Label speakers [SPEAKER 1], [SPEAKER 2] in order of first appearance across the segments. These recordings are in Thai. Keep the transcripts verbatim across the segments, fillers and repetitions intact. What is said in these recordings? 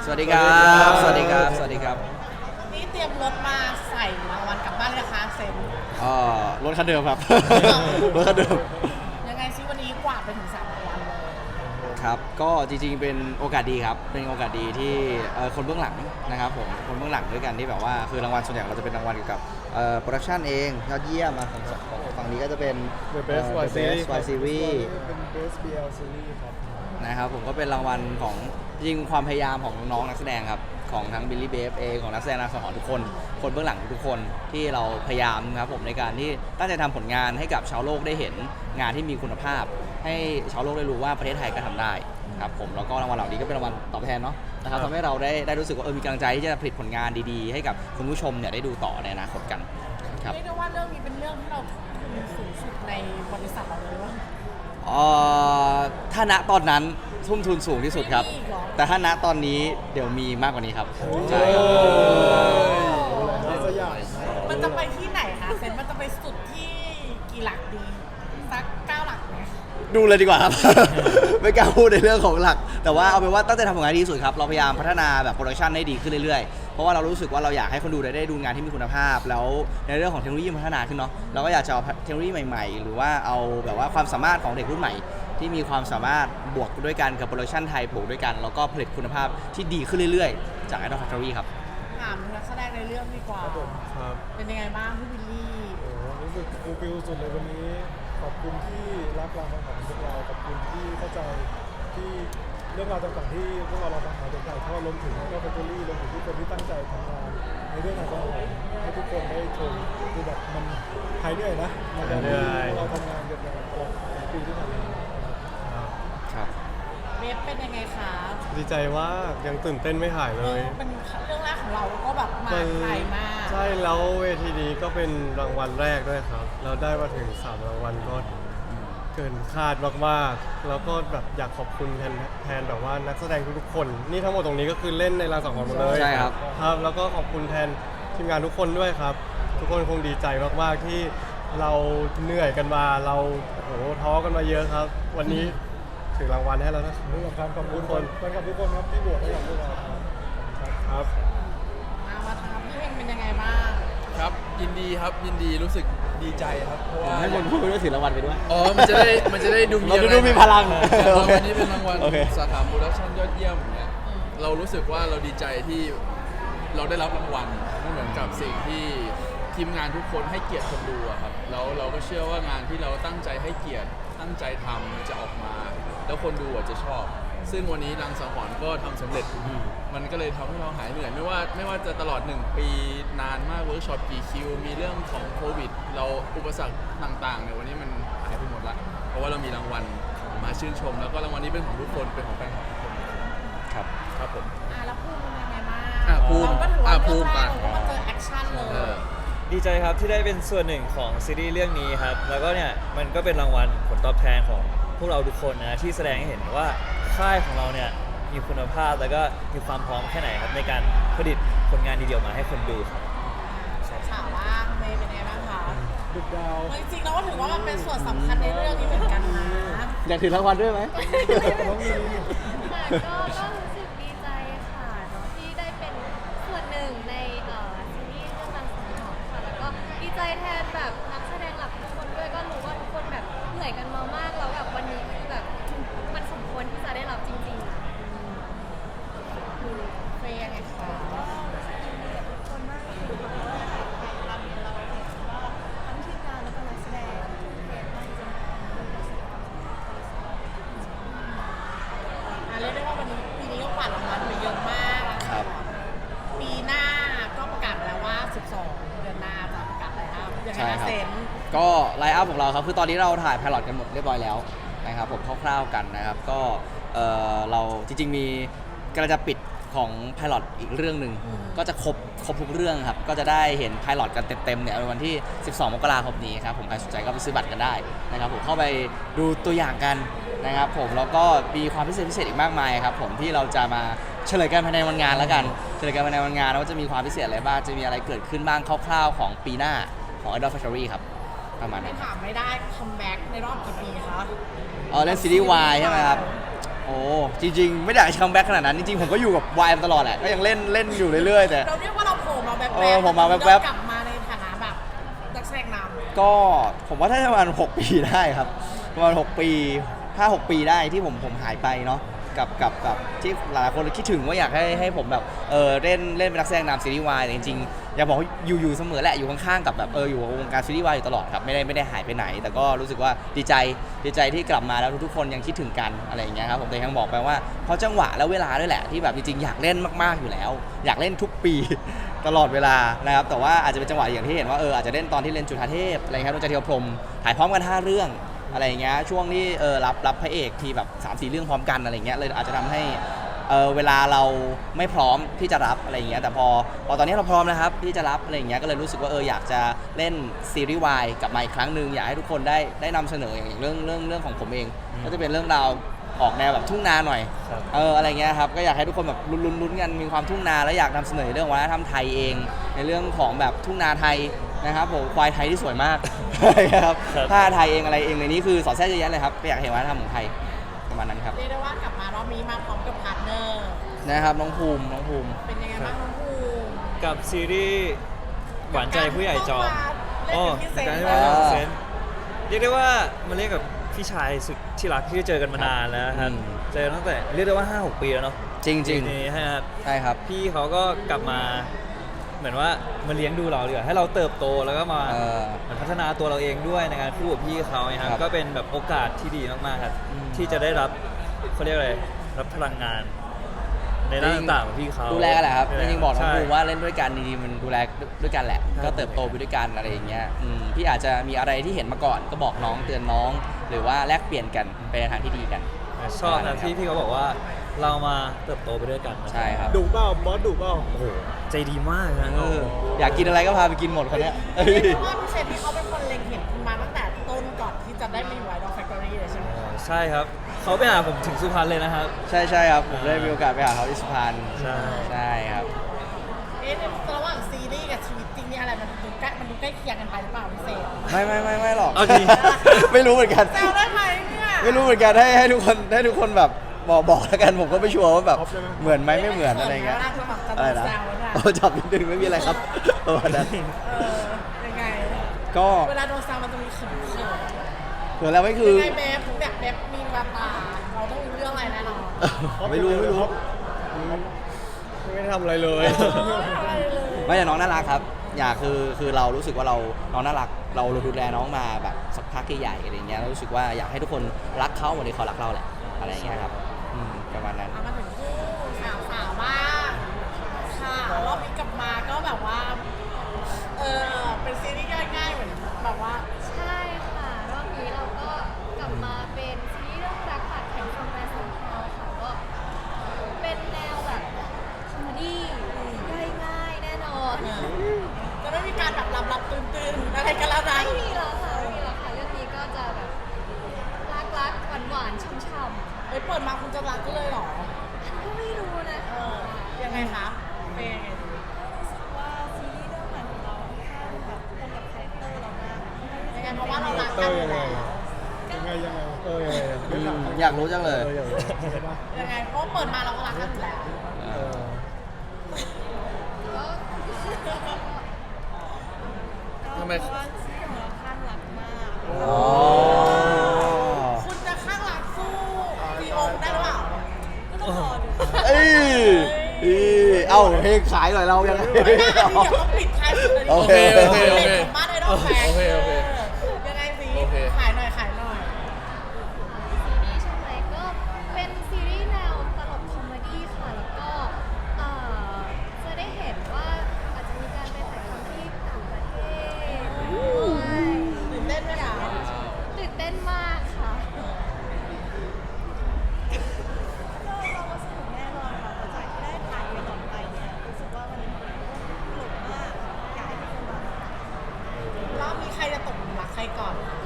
[SPEAKER 1] สวัสดีครับสวัสดีครับสวัสดีครับ
[SPEAKER 2] นี่เตรียมรถมาใส่รางวัลกลับบ้านเลยนะคะเซน
[SPEAKER 1] อ๋อรถคันเดิมครับ รถคันเดิม
[SPEAKER 2] ยังไงซิวันนี้กวาดไปถึงสามรางวัลเลย
[SPEAKER 1] ครับก็จริงๆเป็นโอกาสดีครับเป็นโอกาสดีที่คนเบื้องหลังนะครับผมคนเบื้องหลังด้วยกันที่แบบว่าคือรางวัลส่วนใหญ่เราจะเป็นรางวัลเกี่ยวกับโปรดักชันเองยอดเยี่ยมมาของฝั่งนี้ก็จะเป็น
[SPEAKER 3] The Best Y Series
[SPEAKER 1] Y Series
[SPEAKER 3] เป็น Best บี แอล Series ครับ
[SPEAKER 1] นะครับผมก็เป็นรางวัลของจริงความพยายามของน้องนักแสดงครับของทั้งบิลลี่เบฟเองของนักแสดงนักแสดงทุกคนคนเบื้องหลังทุกคนที่เราพยายามครับผมในการที่ตั้งใจทำผลงานให้กับชาวโลกได้เห็นงานที่มีคุณภาพให้ชาวโลกได้รู้ว่าประเทศไทยก็ทำได้ครับผมแล้วก็รางวัลเหล่านี้ก็เป็นรางวัลตอบแทนเนาะนะครับทำให้เราได้ได้รู้สึกว่าเออมีกำลังใจที่จะผลิตผลงานดีๆให้กับคุณผู้ชมเนี่ยได้ดูต่อในอนาคตกันครับ
[SPEAKER 2] เรียกได้ว่าเรื่องนี้เป็นเรื่องที่เราทุ่มสูงสุดในบริษัทเราเลยว่า
[SPEAKER 1] อ๋อถ้าณตอนนั้นทุ่มทุนสูงที่สุดครับแต่ถ้าณตอนนี้เดี๋ยวมีมากกว่านี้ครับใช่
[SPEAKER 2] มันจะไปที่ไหนคะเซนมันจะไปสุดที่กี่หลักดีสักเก้าหลักไหม
[SPEAKER 1] ดูเลยดีกว่าครับ ไม่กล้าพูดในเรื่องของหลักแต่ว่าเอาเป็นว่าตั้งใจทำผลงานดีที่สุดครับเราพยายามพัฒนาแบบโปรดักชันให้ดีขึ้นเรื่อยๆเพราะว่าเรารู้สึกว่าเราอยากให้คนดูได้ดูงานที่มีคุณภาพแล้วในเรื่องของเทคโนโลยีพัฒนาขึ้นเนาะเราก็อยากจะเอาเทคโนโลยีใหม่ๆหรือว่าเอาแบบว่าความสามารถของเด็กรุ่นใหม่ที่มีความสามารถบวกด้วยกันกับโปรดักชันไทยบวกด้วยกันแล้วก็ผลิตคุณภาพที่ดีขึ้นเรื่อยๆจาก Idol Factory ครับ
[SPEAKER 2] ถามนักแสดงในเรื่องดีกว่าเป็นยังไงบ้างพี่บิลลี่
[SPEAKER 3] โอ้รู้สึกฟูลฟิลสุดเลยวันนี้ขอบคุณที่รักเราของพวกเราขอบคุณที่เข้าใจที่เรื่องราวต่างๆที่พวกเราเราทำมาจนถ่ายทอดรวมถึงก็เป็นเจอรี่รวมถึงทุกคนที่ตั้งใจทำงานในเรื่องของเราให้ทุกคนได้ชมคือแบบมันหายเหนื่อยนะมันจะเราทำงานกันมาตลอดปีที่ผ่านมา
[SPEAKER 1] ครับ
[SPEAKER 2] เบฟเป็นยังไงคะ
[SPEAKER 3] ดีใจว่ายังตื่นเต้นไม่หายเลย
[SPEAKER 2] เป็นเรื่องแรกของเราก็แบบมาไกลมาก
[SPEAKER 3] ใช่แล้วเวทีนี้ก็เป็นรางวัลแรกด้วยครับเราได้มาถึงสามรางวัลก็เกินคาดมากๆแล้วก็แบบอยากขอบคุณแทนแทนแบบว่านักแสดงทุกๆคนนี่ทั้งหมดตรงนี้ก็คือเล่นในรางสังหรณ์หมดเลย
[SPEAKER 1] ใช่ครับ
[SPEAKER 3] ครับแล้วก็ขอบคุณแทนทีมงานทุกคนด้วยครับทุกคนคงดีใจมากๆที่เราเหนื่อยกันมาเราโอ้โหท้อกันมาเยอะครับวันนี้ถึงรางวัลให้แล้วนะครับขอบคุณทุกคนขอบคุณทุกคนครับที่บวกให้กับพวกเราครับ
[SPEAKER 2] มาทางพี่เฮงเป็นยังไงบ้าง
[SPEAKER 4] ครับยินดีครับยินดีรู้สึกดีใจครับเพราะว่า
[SPEAKER 1] ให้คนพูดไปด้วยถือรางวัลไปด้วย
[SPEAKER 4] อ๋อมันจะได้มันจะได้ดูมี
[SPEAKER 1] อะไรดูมีพลัง
[SPEAKER 4] วันนี้เป็นรางวัลสาขาโปรดักชั่นยอดเยี่ยมเนี่ยเรารู้สึกว่าเราดีใจที่เราได้รับรางวัลไม่เหมือนกับสิ่งที่ทีมงานทุกคนให้เกียรติคนดูครับแล้วเราก็เชื่อว่างานที่เราตั้งใจให้เกียรติตั้งใจทำจะออกมาแล้วคนดูอาจจะชอบซึ่งวันนี้รังสังหรณ์ก็ทำสำเร็จมันก็เลยทำให้เราหายเหนื่อยไม่ว่าไม่ว่าจะตลอดหนึ่งปีนานมากเวิร์กช็อปกี่คิวมีเรื่องของโควิดเราอุปสรรคต่างๆเนี่ยวันนี้มันหายไปหมดละเพราะว่าเรามีรางวัลมาชื่นชมแล้วก็รางวัลนี้เป็นของทุกคนเป็นของแฟนคลับทุกคน
[SPEAKER 1] ครับ
[SPEAKER 4] ครับผม
[SPEAKER 2] อ่าแล้วภูมิเป็นยังไงบ้าง
[SPEAKER 4] อ่าภูมิ
[SPEAKER 2] อ่า
[SPEAKER 4] ภูมิ
[SPEAKER 2] มาเจอแอคชั่นเลย
[SPEAKER 5] ดีใจครับที่ได้เป็นส่วนหนึ่งของซีรีส์เรื่องนี้ครับแล้วก็เนี่ยมันก็เป็นรางวัลผลตอบแทนของพวกเราทุกคนนะที่แสดงให้เห็นว่าค่ายของเราเนี่ยมีคุณภาพแล้วก็มีความพร้อมแค่ไหนครับในการผลิตผลงานดีๆมาให้คนดูครับ
[SPEAKER 2] ถามว่าเมย์เป็นยังไงบ้างคะ
[SPEAKER 3] ดุดาว
[SPEAKER 2] จริงๆแล้วก็ถือว่ามันเป็นส่วนสำคัญในเรื่องนี้เหมือนกันนะ
[SPEAKER 1] อยากถือรางวัลด้วยไหม
[SPEAKER 6] ก็รู้สึกดีใจค่ะที่ได้เป็นส่วนหนึ่งในซีรีส์เรื่องรังสังหรณ์ค่ะแล้วก็ดีใจแทนแบบนักแสดงหลักทุกคนด้วยก็รู้ว่าทุกคนแบบเหนื่อยกันมามากแล้วแบบวันนี้คือแบบมันสมควรที่จะได้รับจริงๆ
[SPEAKER 2] เฟย์ยังไงคะ
[SPEAKER 6] ทุกคนมากเลยค่ะเราเราว่าทั้งทีมงานแล้วก็นักแสดงเก่งมากจริง
[SPEAKER 2] ๆเรียกได้ว่าวันนี้ปีนี้ก็กวาดรางวัลไปเยอะมาก
[SPEAKER 1] ครับ
[SPEAKER 2] ปีหน้าก็ประกาศแล้วว่าสิบสองเดือนหน้าจะประกาศอะไรครับยังไงนะเซน
[SPEAKER 1] ก็ไลน์อัพของเราครับคือตอนนี้เราถ่ายไพลอตกันหมดเรียบร้อยแล้วนะครับผมคร่าวๆกันนะครับก็เออเราจริงๆมีกำลังจะปิดของไพลอตอีกเรื่องหนึ่งก็จะครบครบทุกเรื่องครับก็จะได้เห็นไพลอตกันเต็มๆเนี่ยในวันที่สิบสองมกราคมนี้ครับผมใครสนใจก็ไปซื้อบัตรกันได้นะครับผมเข้าไปดูตัวอย่างกันนะครับผมแล้วก็มีความพิเศษพิเศษอีกมากมายครับผมที่เราจะมาเฉลยกันภายในวันงานแล้วกันเฉลยกันภายในวันงานว่าจะมีความพิเศษอะไรบ้างจะมีอะไรเกิดขึ้นบ้างคร่าวๆของปีหน้าของ Idol Factory ครับประมาณนั้น
[SPEAKER 2] ถามไม่ได้คัมแบ็กในรอบกี่ปีคะ
[SPEAKER 1] อ๋อเล่นซีรีส์ วาย ใช่ไหมครับโอ้อ้จริงๆ ไม่อยากจะคัมแบ็กขนาดนั้นจริงๆผมก็อยู่กับวายมาตลอดแหละก็ยังเล่นเล่นอยู่เรื่อยๆแต่
[SPEAKER 2] เราเรียกว่าเราโผล่มาแบบ
[SPEAKER 1] เออผมมาแวบๆ
[SPEAKER 2] กลับมาในฐานะแบบนักแสดงนำ
[SPEAKER 1] ก็ผมว่าถ้าประมาณหกปีได้ครับประมาณหกปีห้าหกปีได้ที่ผมผมหายไปเนาะกับกับกับที่หลายคนคิดถึงว่าอยากให้ให้ผมแบบเออเล่นเล่นเป็นนักแสดงนำซีรีส์วายแต่จริงๆอยากบอกว่าอยู่อยู่เสมอแหละอยู่ข้างๆกับแบบเอออยู่กับวงการซีรีส์วายอยู่ตลอดครับไม่ได้ไม่ได้หายไปไหน แต่ก็รู้สึกว่าดีใจดีใจที่กลับมาแล้วทุกๆคนยังคิดถึงกันอะไรอย่างเงี้ยครับผมแต่ยังบอกไปว่าเพราะจังหวะและเวลาด้วยแหละที่แบบจริงๆอยากเล่นมากๆอยู่แล้ว อยากเล่นทุกปี ตลอดเวลานะครับแต่ว่าอาจจะเป็นจังหวะอย่างที่เห็นว่าเอออาจจะเล่นตอนที่เล่นจุฑาเทพอะไรครับดวงใจเทียวพรหมถ่ายพร้อมกันห้าเรื่องอะไรอย่างเงี้ยช่วงที่เออรับรับพระเอกทีแบบสามสี่เรื่องพร้อมกันอะไรเงี้ยเลยอาจจะทำให้เออเวลาเราไม่พร้อมที่จะรับอะไรอย่างเงี้ยแต่พอพอตอนนี้เราพร้อมนะครับที่จะรับอะไรอย่างเงี้ยก็เลยรู้สึกว่าเอออยากจะเล่นซีรีส์วายกลับมาอีกครั้งหนึ่งอยากให้ทุกคนได้ได้นำเสนออย่างเรื่องเรื่องเรื่องของผมเองก็จะเป็นเรื่องราวออกแนวแบบทุ่งนาหน่อย
[SPEAKER 5] ครับ
[SPEAKER 1] เอออะไรเงี้ยครับก็อยากให้ทุกคนแบบลุ้นๆลุ้นกันมีความทุ่งนาแล้วอยากนำเสนอเรื่องวัฒนธรรมไทยเอง ในเรื่องของแบบทุ่งนาไทยนะครับผมควายไทยที่สวยมาก ครับ
[SPEAKER 5] ครับ
[SPEAKER 1] ผ้าไทยเองอะไรเองในนี้คือสอดแทรกเยอะแยะเลยครับก็อยากเห็นวัฒนธรรมของไทยประมาณนั้นครับ
[SPEAKER 2] เรียกได้ว่ากลับมารอบนี้มาพร้อมกับพาร์ทเนอร์
[SPEAKER 1] นะครับน้องภูมิน้องภูมิ
[SPEAKER 2] เป็นยังไงบ้างน้องภูมิ
[SPEAKER 5] กับซีรีส์หวานใจผู้ใหญ่จอม
[SPEAKER 2] อ๋อเล่น
[SPEAKER 5] การ
[SPEAKER 2] เป็น
[SPEAKER 5] ที่
[SPEAKER 2] พิ
[SPEAKER 5] มา
[SPEAKER 2] เศษ
[SPEAKER 5] เซนเรียกได้ว่ามาเรียกกับพี่ชายสุดที่รักที่เจอกันมานานแล้วครับ
[SPEAKER 1] อืม
[SPEAKER 5] เจอตั้งแต่เรียกได้ว่า ห้าหก ปีแล้วเนาะ
[SPEAKER 1] จริงจริง
[SPEAKER 5] นี่ฮะ
[SPEAKER 1] ใช่ครับ
[SPEAKER 5] พี่เขาก็กลับมาเหมือนว่ามาเลี้ยงดูเราดีกว่าให้เราเติบโตแล้วก็มา
[SPEAKER 1] เออ
[SPEAKER 5] เหมือนพัฒนาตัวเราเองด้วยในการคู่กับพี่เขานะครับ
[SPEAKER 1] ครับ
[SPEAKER 5] ก็เป็นแบบโอกาสที่ดีมากๆครับ
[SPEAKER 1] อืม
[SPEAKER 5] ที่จะได้รับเขาเรียกอะไรรับพลังงาน ในด้านต่างๆของพี่เขา
[SPEAKER 1] ดูแลกันแหละครับจริงๆบอกน้อง
[SPEAKER 5] ใช่
[SPEAKER 1] ภูมิว่าเล่นด้วยกันจริงๆมันดูแลด้วยกันแหละ
[SPEAKER 5] ใช่
[SPEAKER 1] ก็เติบโตไปด้วยกันอะไรอย่างเงี้ยอืมพี่อาจจะมีอะไรที่เห็นมาก่อนก็บอกน้องเตือนน้อง หรือว่าแลกเปลี่ยนกันไปในทางที่ดีกัน
[SPEAKER 5] ชอบนะที่พี่เขาบอกว่าเรามาเติบโตไปด้วยกันนะ
[SPEAKER 1] ใช่ครับ
[SPEAKER 3] ดุเปล่าบอสดุเปล่า
[SPEAKER 5] โอ้โหใจดีมากนะ
[SPEAKER 1] เอออยากกินอะไรก็พาไปกินหมดคนเนี้ยเอ้ย
[SPEAKER 2] เรียกได้ว่าพี่เชนที่เขาเป็นคนเล็งเห็นคุณมาตั้งแต่ต้นก่อนที่จะได้มาอยู่ไอดอลแฟคทอรี่เลยใช่ไหม
[SPEAKER 5] ใช่ครับเขาไปหาผมถึงสุพรรณเลยนะครับ
[SPEAKER 1] ใช่ใช่ครับผมได้มีโอกาสไปหาเขาที่สุพรรณ
[SPEAKER 5] ใช่
[SPEAKER 1] ใช่ครับ
[SPEAKER 2] เอ๊ะในระหว่างซีรีส์กับชีวิตจริงนี่อะไรมันดูใกล้มันดูใกล้เคียงกันไปหรือเปล่าพี่เซน
[SPEAKER 1] ไม่ไม่ไม่ไม่หรอก
[SPEAKER 5] เอาจริง
[SPEAKER 1] ไม่รู้เหมือนกัน
[SPEAKER 2] แซวได้ไหมเนี่ย
[SPEAKER 1] ไม่รู้เหมือนกันให้ให้ทุกคนให้ทุกคนแบบบอกบอกแล้วกันผมก็ไม่ชัวร์ว่าแบบ
[SPEAKER 3] ท็อปใช่ไหม
[SPEAKER 1] เหมือนไหมไม่เหมือนอะไรเงี้ย
[SPEAKER 2] เวลาจะแบบจะ
[SPEAKER 1] อะไร
[SPEAKER 2] โดน
[SPEAKER 1] นะ
[SPEAKER 2] แซวเนี่ย
[SPEAKER 1] โอ้จับนิดนึงไม่มีอะไรครับประมาณนั้น
[SPEAKER 2] เออยังไง
[SPEAKER 1] ก็
[SPEAKER 2] เวลาโดนแซวมันจะมีเขินเขิน
[SPEAKER 1] เหมือนแล้วไม่คือ
[SPEAKER 2] ยังไงเบฟแบบเบฟมีแววตาเราต้องรู้เรื่องอะไรแน่นอน
[SPEAKER 1] ไม่รู้ไม่รู้
[SPEAKER 5] ไม่ได้ทำอะไรเลย
[SPEAKER 2] อะไรเลย
[SPEAKER 1] ไม่แต่น้องน่ารักครับ อยากคือคือเรารู้สึกว่าเราน้องน่ารักเราดูแลน้องมาแบบสักพักใหญ่ๆอะไรเงี้ยเรารู้สึกว่าอยากให้ทุกคนรักเขาเหมือนที่เขารักเราแหละอะไรอย่างเงี้ยครับอืมประมาณนั้น
[SPEAKER 2] เอามาถึงคู่สาวสาวๆบ้างค่ะรอบนี้กลับมาก็แบบว่าเออเป็นซีรีส์ง่ายๆเหมือนแบบว่า
[SPEAKER 6] ใช่ค่ะรอบนี้เราก็กลับมาเป็นซีรีส์เรื่องรักปัดแข่งคอมแมนซ์ของเราค่ะก็เป็นแนวแบบคอมเมดี้ง่ายๆแน่นอน
[SPEAKER 2] จะไม่มีการแบบหลับๆตื่นๆอะไรกันแล้วนะ
[SPEAKER 6] ไม่มีแล้วค่ะไม่มีแล้วค่ะเรื่องนี้ก็จะแบบรักๆหวานๆช่ำ
[SPEAKER 2] เอ้ยเปิดมาคุณจะรักก็เลยเหรอ
[SPEAKER 6] ๆก็ไม่รู้นะ
[SPEAKER 2] เออยังไงคะเป็นยังไงดี
[SPEAKER 6] ว่าซีรีส์เรื่องใหม่ของเราค่อนข้างแบบตรงกับคาแรคเตอร์เรามาก
[SPEAKER 2] ยังไงเพราะว่าเรารัก
[SPEAKER 3] เต
[SPEAKER 2] กั
[SPEAKER 3] อน ร์
[SPEAKER 2] อ
[SPEAKER 3] ยั
[SPEAKER 2] ยู่
[SPEAKER 3] งไง
[SPEAKER 2] แล้ว
[SPEAKER 3] ยังไงยังไงเออยังไง
[SPEAKER 1] อืมอยากรู้จังเลย
[SPEAKER 3] เอออยากรู้ใช่ปะ
[SPEAKER 2] ยังไงเพราะว่าเปิดมาเราก็รักกันอยู่แล้ว
[SPEAKER 3] เออ
[SPEAKER 4] ทำไม
[SPEAKER 1] อ๋อ
[SPEAKER 2] คุณจะข้างหลังสู้ซีโอได้หรือเปล่า
[SPEAKER 1] เอ้ยอีเอ้าเพลงขายหน่อยเรายังไง
[SPEAKER 2] ไม่ได้อันนี้เดี๋ยวต้องปิดท้ายสุดเลย
[SPEAKER 1] โอเคโอเคโอเค
[SPEAKER 2] บ้านไอดอลแฟน
[SPEAKER 4] โอเคโอเค
[SPEAKER 2] ยังไงสิ
[SPEAKER 4] โอเค
[SPEAKER 2] ขายหน่อยขายหน่อย
[SPEAKER 6] ซีรีส์ใช่ไหมก็เป็นซีรีส์แนวตลกคอมเมดี้ค่ะแล้วก็เอ่อจะได้เห็นว่าอาจจะมีการไปถ่ายทำที่ต่างประเทศด้วย
[SPEAKER 2] ตื่นเต้นไหมคะ
[SPEAKER 6] ตื่นเต้นมากค่ะ
[SPEAKER 2] รอบนี้ใครจะตกหลุมรักใครก่อน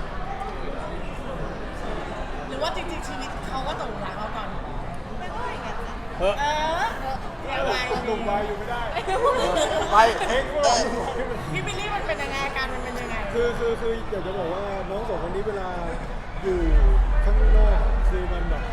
[SPEAKER 2] หรือว่าจริงๆชีวิตเขาก็ตกหลุมรักเราก่อน
[SPEAKER 3] เฮ้ย
[SPEAKER 2] เออยังไง
[SPEAKER 3] หนุ่มวายอยู่ไม่ได้
[SPEAKER 1] ไป
[SPEAKER 3] เฮ้ยพวกเราหนุ่มวายไม่เป็น
[SPEAKER 2] พี่บิลลี่มันเป็นยังไงอาการมันเป็นยังไง
[SPEAKER 3] คือคือคืออยากจะบอกว่าน้องสองคนนี้เวลาอยู่ข้างนอกคือมันแบบ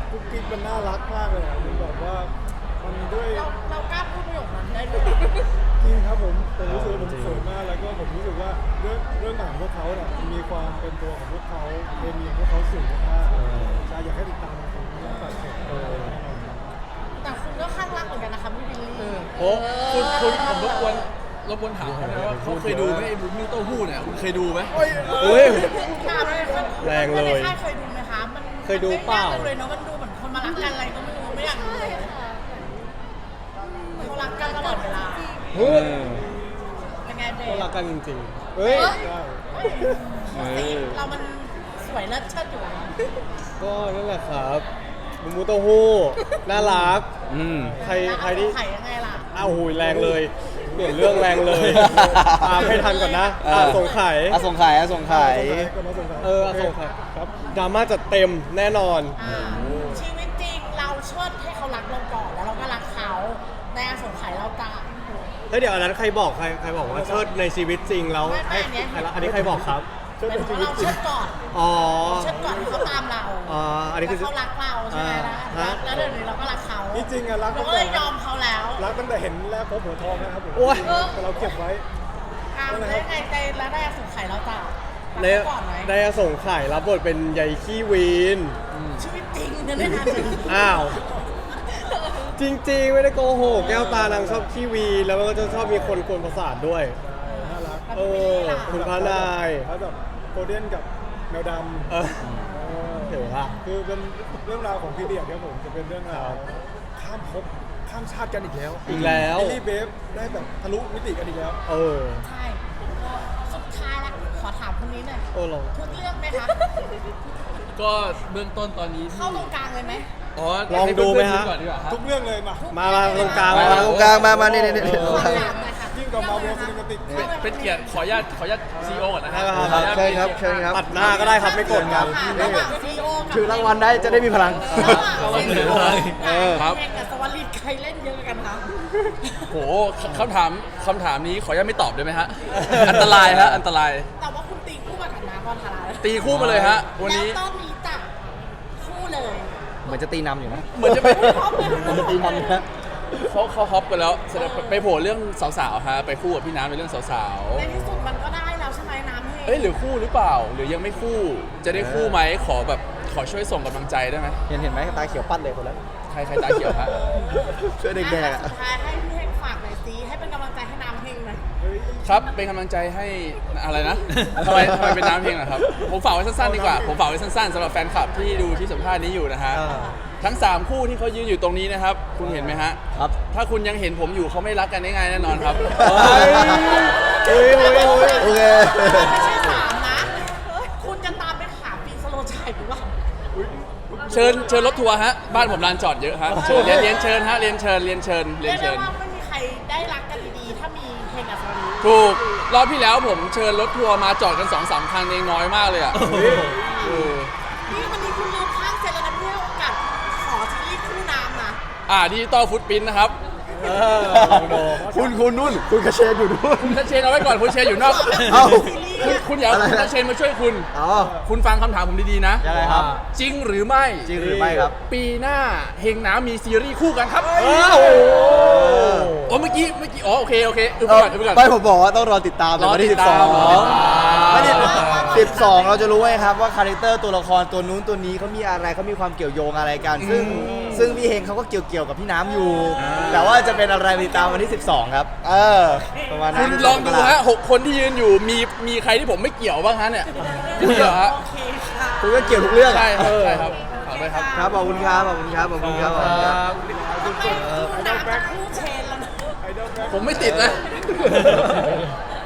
[SPEAKER 3] กุ๊กกิ๊กมันน่ารักมากเลยอะมันแบบว่ามันด้วย
[SPEAKER 2] เราเรากล้าพูดประโยคนั้นได้ด้วย
[SPEAKER 3] จริงครับผมผมรู้สึกว่าผมสวยมากแล้วก็ผมรู้สึกว่าเรื่องเรื่องหนังพวกเขาเนี่ยมีความเป็นตัวของพวกเขาเคมีของพวกเขาสูงมากใช่อยากให้ติดตามผมเรื่องตัดเสร็จแน่นอนครับ
[SPEAKER 2] แต่คุณก็ข้างรักเหมือนกันนะคะพี่บิลลี่
[SPEAKER 4] โอ้คุณคุณผมรบกวนรบกวนถามเขาหน่อยว่าเขาเคยดูไหมไอ้บุ้มี่เต้าหู้เนี่ยคุณเคยดูไหม
[SPEAKER 5] อุ้ย
[SPEAKER 2] ถามเลยค่ะ
[SPEAKER 5] แรงเลย
[SPEAKER 2] ในค่ายเคยดูไหมคะมัน
[SPEAKER 5] เคยดูเปล่า
[SPEAKER 2] ไม่ยกเลยเนาะมันดูเหมือนคนมารักกันอะไรก็ไม่รู้ไม่อยากดู
[SPEAKER 6] ใช่
[SPEAKER 2] เลย
[SPEAKER 6] ค่ะ
[SPEAKER 2] เขารักกันตลอดเวลา
[SPEAKER 5] เฮ้ย
[SPEAKER 2] เป็นไงเบ
[SPEAKER 5] เขา
[SPEAKER 2] ส
[SPEAKER 5] รักกันจริงๆเฮ้ย
[SPEAKER 3] ใช่
[SPEAKER 2] สีเรามันสวยเลิศเชิดอยู่แล้ว
[SPEAKER 5] ก็นั่นแหละครับมูมูเต้าหู้น่ารัก
[SPEAKER 1] อืม
[SPEAKER 5] ใครใครที่
[SPEAKER 2] ไข่ยังไงล่ะ
[SPEAKER 5] อ้าวหูยแรงเลยเปลี่ยนเรื่องแรงเลย ตามให้ทันก่อนนะ
[SPEAKER 1] เออ
[SPEAKER 5] อ่าสงไข่
[SPEAKER 1] อาสงไข่อาสงไข่
[SPEAKER 3] ก็น้องสงสาร
[SPEAKER 5] เอออ่ะสงไข่ครับดราม่าจัดเต็มแน่นอน
[SPEAKER 2] อ่าชีวิตจริงเราเชิดให้เขารักเราก่อนแล้วเราก็รักเขาในอาสงไขยเราตาม
[SPEAKER 5] เฮ้ยเดี๋ยวอันนั้นใครบอกใครใครบอกว่าเชิดในชีวิตจริงแล้ว
[SPEAKER 2] ไม่ไม่
[SPEAKER 5] ให้
[SPEAKER 2] อันเนี้ย
[SPEAKER 5] ใครละอันนี้ใครบอกครับ
[SPEAKER 3] เชิด
[SPEAKER 2] เป็น
[SPEAKER 3] ใน
[SPEAKER 2] เพ
[SPEAKER 3] ชี
[SPEAKER 2] ราะ
[SPEAKER 3] วิต
[SPEAKER 2] เรา
[SPEAKER 3] จริง
[SPEAKER 2] เชิดก่อน
[SPEAKER 5] อ๋อ
[SPEAKER 2] เชิดก่อนที่เขาตามเรา
[SPEAKER 5] อ๋ออันนี้คือ
[SPEAKER 2] แล้วเขารักเราใช่ไหมล่ะ
[SPEAKER 5] ฮะ
[SPEAKER 2] แล้วเดี๋ยวนี้เราก็รักเขา
[SPEAKER 3] นี่จริงอะรัก
[SPEAKER 2] เรา
[SPEAKER 3] ตั้ง
[SPEAKER 2] ก็
[SPEAKER 3] แต่
[SPEAKER 2] เลยยอมเขาแล้ว
[SPEAKER 3] รักตั้งแต่เห็นแรกพบหัวทองนะครับผม
[SPEAKER 5] โอ้ย
[SPEAKER 3] แต่เราเก็บไว้
[SPEAKER 2] อ่าแล้วยังไงใจแล้วได้อาสงไขยเราตาม
[SPEAKER 5] ใน
[SPEAKER 2] รักเขาก่อนไหม
[SPEAKER 5] ในอสงไข่รับบทเป็นยายขี้วีน
[SPEAKER 2] ชีวิตจริงเนี่ยไม่นานเลย
[SPEAKER 5] อ้าว จริงๆ ไม่ได้โกหกแก้วตานางชอบขี้วีนแล้วมันก็จะชอบมีคนกวนประสาทด้วย
[SPEAKER 3] น่ารัก
[SPEAKER 5] เออคุณพระนาย
[SPEAKER 3] แล้วแบบโกลเด้นกับแมวดำ
[SPEAKER 5] เออ
[SPEAKER 3] เออ
[SPEAKER 5] เดี๋ยวละ
[SPEAKER 3] คือเป็นเรื่องราวของพีเดียดครับผมจะเป็นเรื่องราวข้ามภพข้ามชาติกันอีกแล้ว
[SPEAKER 5] อีกแล้ว
[SPEAKER 3] บิลลี่เบฟได้แบบทะลุมิติกันอีกแล้ว
[SPEAKER 5] เออ
[SPEAKER 2] ใช่สุดท้ายแล้วขอถามคนนี้หน่อย
[SPEAKER 5] โอ้ลอง
[SPEAKER 2] ทุกเรื่องไหมคะ
[SPEAKER 4] ก็เบื้องต้นตอนนี้
[SPEAKER 2] เข้าตรงกลางเลยไหม
[SPEAKER 4] อ๋อ
[SPEAKER 5] ลองดูไหมฮะ
[SPEAKER 4] ให้เพื่อนๆก่อนดีกว่าครับ
[SPEAKER 3] ทุกเรื่องเลยมา
[SPEAKER 5] มามาตรงกลาง
[SPEAKER 1] มามาตรงกลางมามานี่นี่นี่
[SPEAKER 2] ขอถามหน่อยค่ะ
[SPEAKER 3] ยิ่งกับมาเวลซินิมาติก
[SPEAKER 4] เป็นเป็นเกียรติขออนุญาตขออนุญาตซีโอก่อนนะฮะ
[SPEAKER 5] ครับ
[SPEAKER 4] ขออนุญาต
[SPEAKER 1] ใช่ครับเชิญครับ
[SPEAKER 5] ตัดหน้าก็ได้ครับไม่กดกัน
[SPEAKER 2] ระหว่างซีโอกับ
[SPEAKER 1] ถือรางวัลได้จะได้มีพลัง
[SPEAKER 2] ระหว่างซีโอ
[SPEAKER 1] เออ
[SPEAKER 4] ครับ
[SPEAKER 2] แข่งกับสวัสดิ์ใครเล่นเยอะกันคะ
[SPEAKER 4] โหคำถามคำถามนี้ขออนุญาตไม่ตอบได้ไหมฮะ อันตรายฮะอันตราย
[SPEAKER 2] แต่ว่าคุณตีคู่มากับน้ำบอลทารา
[SPEAKER 4] ตีคู่มาเลยฮะ วันนี้
[SPEAKER 2] แล้วตอนนี้จับคู่เลย
[SPEAKER 1] เหมือนจะตีนำอยู่นะ
[SPEAKER 4] เหมือนจะไป
[SPEAKER 1] เหมือนจะตีนำอยู่นะ
[SPEAKER 4] เขาเขาฮอปกันแล้วแสดงไปโผล่เรื่องสาวๆฮะไปคู่กับพี่น้ำในเรื่องสาว
[SPEAKER 2] ในที่สุดมันก็ได้แล้วใช่ไหมน้ำ
[SPEAKER 4] ๆ
[SPEAKER 2] เฮ้
[SPEAKER 4] เอ้ยหรือคู่หรือเปล่า หรือยังไม่คู่ จะได้คู่ไหมขอแบบขอช่วยส่งกำลังใจได้ไหม
[SPEAKER 1] เห็นเห็นไหมตาเขียวปั้นเลยคนละ
[SPEAKER 4] ใครใครตาเขียวฮะ
[SPEAKER 1] ช่วยเด็กๆอะ
[SPEAKER 2] สุดท้ายให้พี่เฮงฝากหน่อยสิให้เป็นกำลังใจให้น้ำเฮงหน่อย
[SPEAKER 4] ครับเป็นกำลังใจให้อะไรนะทำไมทำไมเป็นน้ำเพลงอะครับผมฝากไว้สั้นๆดีกว่าผมฝากไว้สั้นๆสำหรับแฟนคลับที่ดูที่สัมภาษณ์นี้อยู่นะฮะ
[SPEAKER 5] อ่า
[SPEAKER 4] ทั้งสามคู่ที่เขายืนอยู่ตรงนี้นะครับ คุณเห็นไหมฮะ
[SPEAKER 1] ครับ
[SPEAKER 4] ถ้าคุณยังเห็นผมอยู่เขาไม่รักกันได้ง่ายแน่นอนครับ
[SPEAKER 5] เฮ้ยเฮ้ยเฮ้ยเฮ้ย
[SPEAKER 1] โอเค
[SPEAKER 2] ไม่ใช่สามนะ คุณจะตามไปหาปีสโลชัยหรือเปล่า
[SPEAKER 4] เชิญเชิญรถทัวร์ฮะบ้านผมลานจอดเยอะฮะเชิญเรียนเรียนเชิญฮะเรียนเชิญเรียนเชิญเรี
[SPEAKER 2] เรี
[SPEAKER 4] ย
[SPEAKER 2] ย
[SPEAKER 4] น
[SPEAKER 2] กได้
[SPEAKER 4] เชิญ
[SPEAKER 2] ว่าไม่มีใครได้รักกันดีๆ ถ้ามีเพลงอัศรี
[SPEAKER 4] ถูกรอบที่แล้วผมเชิญรถทัวร์มาจอดกันสองสามคันเองน้อยมากเลยอ่ะเออ
[SPEAKER 2] นี่วันนี้คุณลืมข้างเซนแล้วนะเพื่อโอกาสขอซีรีส์คู่น้ำนะ
[SPEAKER 4] อ่าดิจิตอลฟุตปิ้นนะครับ
[SPEAKER 5] เออลองดู
[SPEAKER 1] คุณคุณนุ่น คุณกระเชนอยู่นู่น
[SPEAKER 4] คุณเชนเอาไว้ก่อนคุณเชนอยู่นอก
[SPEAKER 1] เอ้า
[SPEAKER 4] คุณคุณอย่าเอา
[SPEAKER 1] อะไรนะ
[SPEAKER 4] คุณเชนมาช่วยคุณ
[SPEAKER 1] อ๋อ
[SPEAKER 4] คุณฟังคำถามผมดีๆนะ
[SPEAKER 1] ยังไงครับ
[SPEAKER 4] จริงหรือไม่
[SPEAKER 1] จริงหรือไม่ครับ
[SPEAKER 4] ปีหน้าเฮงน้ำมีซีรีส์คู่กันครับ
[SPEAKER 5] เออโอ้โห
[SPEAKER 4] โอ้เมื่อกี้เมื่อกี้อ๋อโอเคโอเคอึบ
[SPEAKER 1] เอ
[SPEAKER 4] ไป
[SPEAKER 1] อ
[SPEAKER 4] ก่อนอึบไปก่อน
[SPEAKER 1] ไม่ผมบอกว่าต้องรอติดตามในวันที่
[SPEAKER 4] รอติ
[SPEAKER 1] สิ
[SPEAKER 4] ด
[SPEAKER 1] บส
[SPEAKER 4] ตา
[SPEAKER 1] อ
[SPEAKER 4] ม
[SPEAKER 1] งไม่ได้สิบสองเราจะรู้ไงครับว่าคาแรคเตอร์ตัวละครตัวนู้นตัวนี้เขามีอะไรเขามีความเกี่ยวโยงอะไรกัน ซึ่งซึ่งพี่เฮงเขาก็เกี่ยวเกี่ยวกับพี่น้ำอยู่ แต่ว่าจะเป็นอะไรไปติดตามวันที่สิบสองครับ เออประมาณนั้
[SPEAKER 4] คุ
[SPEAKER 1] น
[SPEAKER 4] ณลองดูฮะหกคนที่ยืนอยู่มีมีใครที่ผมไม่เกี่ยวบ้างฮะเนี่ยมีเหรอฮะ
[SPEAKER 2] โอเคค่ะ
[SPEAKER 1] คุณก็เกี่ยวทุกเรื่องอะ
[SPEAKER 4] ใช่ครับใช่ครับฝากด้วยครับ
[SPEAKER 1] ครับขอบคุณครับขอบคุณครับขอบคุณครับขอบคุณครับ
[SPEAKER 2] ทำไมคู่น้ำกับคู่เชนแล้วนะ
[SPEAKER 3] ไอดอลแบ็ค
[SPEAKER 4] ผมไม่ติดนะ